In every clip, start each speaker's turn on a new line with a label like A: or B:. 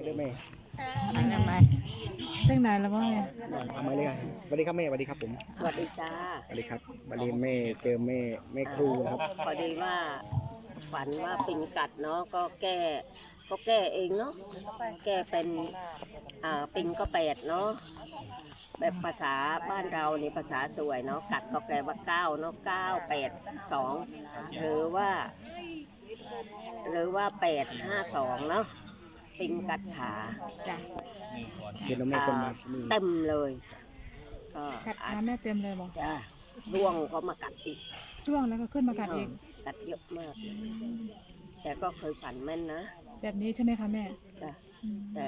A: ด้วยแม่
B: ทำไมตั้งนานแล้วมั้งเนี่ย
A: เอามาเลยสวัสดีครับแม่สวัสดีครับผม
C: สวัสดีจ้า
A: สวัสดีครับวันนี้แม่เจอแม่ครูนะครับ
C: พอดีว่าฝันว่าปิงกัดเนาะก็แก้เองเนาะแก้เป็นปิงก็8เนาะแบบภาษาบ้านเรานี่ภาษาสวยเนาะกัดก็แปลว่า9เนาะ982หรือว่า852เนาะปิงกัดขาจ้ะ
A: เห็นแล้วแม่คนมา
C: เต็มเลยก็
B: กัดขาแม่เต็มเลยบอก
C: จ้ะร่วงก็มากัดอีก
B: ช่วงแล้วก็ขึ้นมากัดเอง
C: กัดเยอะมากแต่ก็เคยฝันแม่นนะ
B: แบบนี้ใช่ไหมคะแม่
C: จ้ะแต่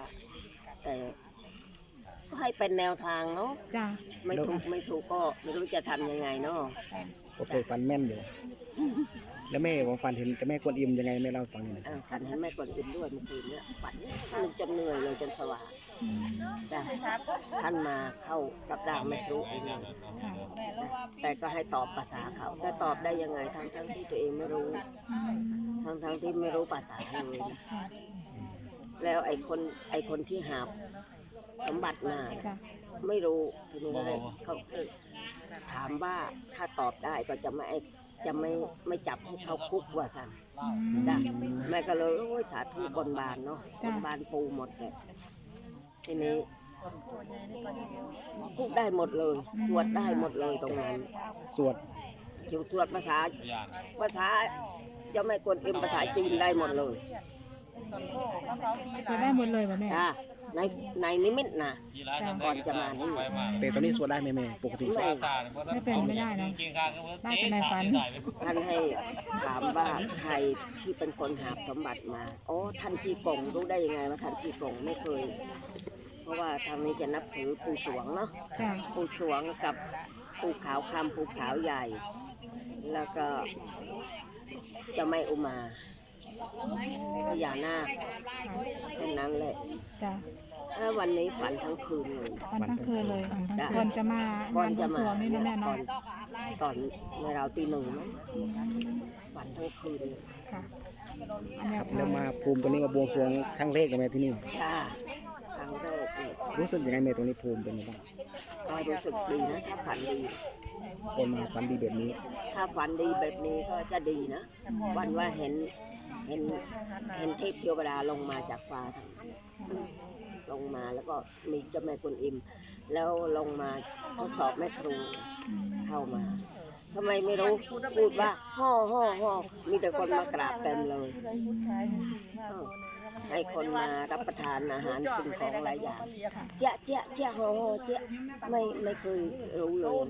C: ก็ให้เป็นแนวทางเนาะ
B: จ้ะ
C: ไม่ถูกก็ไม่รู้จะทำยังไงเนาะ
A: ก็เคยฝันแม่นอยู่แล้วแม่ผมฝันเห็นแต่แม่กวนอิมยังไงแม่เล่าฟังหน่อย
C: ฝันให้แม่กวนอิมด้วยเมื่อคืนเนี่ยฝันจนเหนื่อยเลยจนสว่างจ้ะท่านมาเข้ากับร่างแม่ครูเองแต่ก็ให้ตอบภาษาเขาแต่ตอบได้ยังไงทั้งที่ตัวเองไม่รู้ทั้งที่ไม่รู้ภาษาเลยแล้วไอ้คนที่หาสมบัติมาไม่รู้ทีนี้เขาถามว่าถ้าตอบได้ก็จะไม่จับให้เขาคุกว่าสั่นแม่ก็เลยสาธุบนบานเนาะบนบานปูหมดเลยทีนี้พูดได้หมดเลยสวดได้หมดเลยตรงนั้น
A: สวด
C: สวดภาษาเจ้าแม่กวนอิมภาษาจีนได้หมดเลย
B: สวดได้หมดเลยป่ะแม่
C: ในนิมิตนะก่อนจะมานี่
A: แต่ตอนนี้สวดได้ไหมแม่ปกติสวด
B: ไม่เป็นไม่ได้นะได้แต่ในฝัน
C: ท่านให้ถามว่าใครที่เป็นคนหาสมบัติมาอ๋อท่านจีกงรู้ได้ยังไงว่าท่านจีกงไม่เคยเพราะว่าทางนี้จะนับถือปู่สวงเนาะปู่สวงกับปู่ขาวคำปู่ขาวใหญ่แล้วก็เจ้าแม่อุมาพญานาคแค่นั้นแหละแล้ววันนี้ฝันทั้งคืนเลย
B: ฝันทั้งคืนเลยก่อนจะมานี่นะแม่เนาะ
C: ตอนเมื่อเราตี 1มั้งฝันทั้งคืน
A: ครับแล้วมาภูมิตัวนี้มาบวงสรวงครั้งแรกกับแม่ที่นี่
C: จ้าครั้งแรก
A: รู้สึกยังไงแม่ตรงนี้ภูมิเป็นยังไงบ้าง
C: ก็รู้สึกดีนะถ้าฝันดี
A: คนมาฝันดีแบบนี้
C: ถ้าฝันดีแบบนี้ก็จะดีนะวันว่าเห็นเทพเทวดาลงมาจากฟ้าลงมาแล้วก็มีเจ้าแม่กวนอิมแล้วลงมาทดสอบแม่ครูเข้ามาทำไมไม่รู้พูดว่าห่อมีแต่คนมากราบเต็มเลยให้คนมารับประทานอาหารสิ่งของหลายอย่างเจ๊ห่อเจ๊ไม่เคยรู้เลย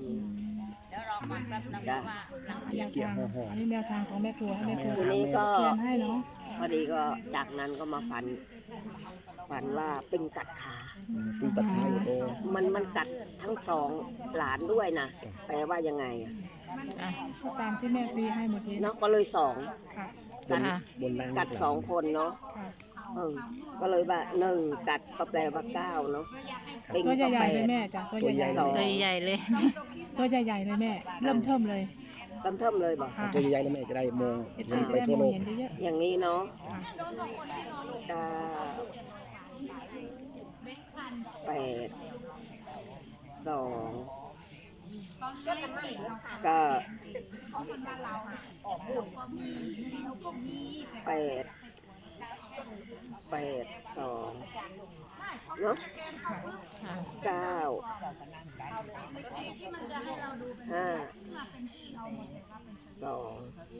B: อันนี้แนวทางของแม่ครัวให้แม่ครัว
C: ทีนี้ก็
B: ให้เนาะ
C: พอดีก็จากนั้นก็มาฝันว่าเป็นกัดขา
A: เป็นกัดขาอยู่โต
C: มันกัดทั้ง2หลานด้วยนะแปลว่ายังไง
B: ตามที่แม่ตีให้เมื่อกี้
C: เนาะก็เลย2กัด2คนเนาะก็เลยว่า1กัดก็แปลว่า9เนาะ
B: ตัวใหญ่ๆเลยแม่จ้ะตัวใหญ่
C: เลย
B: ตัวใหญ่ๆเลยแม่เริ่มเทิมเลย
C: บอก
A: ตัวใหญ่ๆแล้วแม่จะได้มองไปทั่วโลก
C: อย่างนี้เนาะ8 2ก็8 2เนาะ9 5 2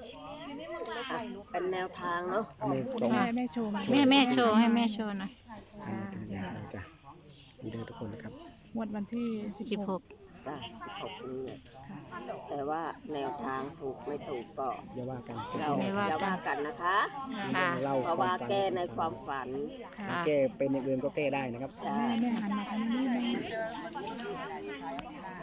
C: เป็นแนวทางเนาะ
B: แม่โชว์
D: ให้แม่โชว์หน่อย
A: จ้ะดีเลยทุกคนนะครับ
B: งวดวันที่16
C: นี่แต่ว่าแนวทางถูกไม่ถูกก็
A: อย่าว่ากัน
C: นะคะเพราะว่าแก้ในความฝัน
A: แก้เป็นอย่างอื่นก็แก้ได้นะครับ
B: แม่หันมาทางนี้